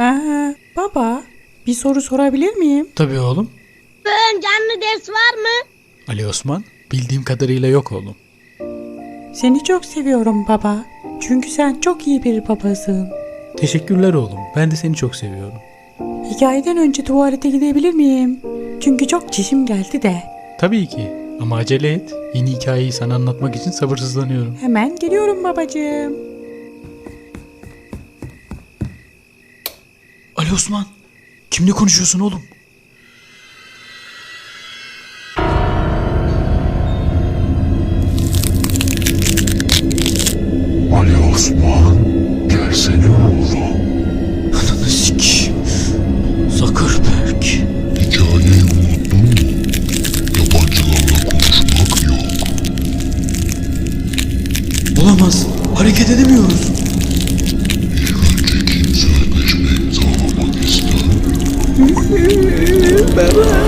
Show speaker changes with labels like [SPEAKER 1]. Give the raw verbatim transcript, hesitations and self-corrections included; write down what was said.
[SPEAKER 1] Aa, baba, bir soru sorabilir miyim?
[SPEAKER 2] Tabii oğlum.
[SPEAKER 3] Bugün canlı ders var mı?
[SPEAKER 2] Ali Osman, bildiğim kadarıyla yok oğlum.
[SPEAKER 1] Seni çok seviyorum baba. Çünkü sen çok iyi bir babasın.
[SPEAKER 2] Teşekkürler oğlum. Ben de seni çok seviyorum.
[SPEAKER 1] Hikayeden önce tuvalete gidebilir miyim? Çünkü çok çişim geldi de.
[SPEAKER 2] Tabii ki. Ama acele et. Yeni hikayeyi sana anlatmak için sabırsızlanıyorum.
[SPEAKER 1] Hemen geliyorum babacığım.
[SPEAKER 2] Ali Osman, kimle konuşuyorsun oğlum?
[SPEAKER 4] Ali Osman, gelsene oğlum.
[SPEAKER 2] Ananı sikeyim. Zuckerberg.
[SPEAKER 4] Hikayeyi unuttun mu? Yabancılarla konuşmak yok.
[SPEAKER 2] Olamaz. Hareket edemiyoruz.
[SPEAKER 4] İlk önce kim sözleşme imzalamak ister?
[SPEAKER 1] Baba.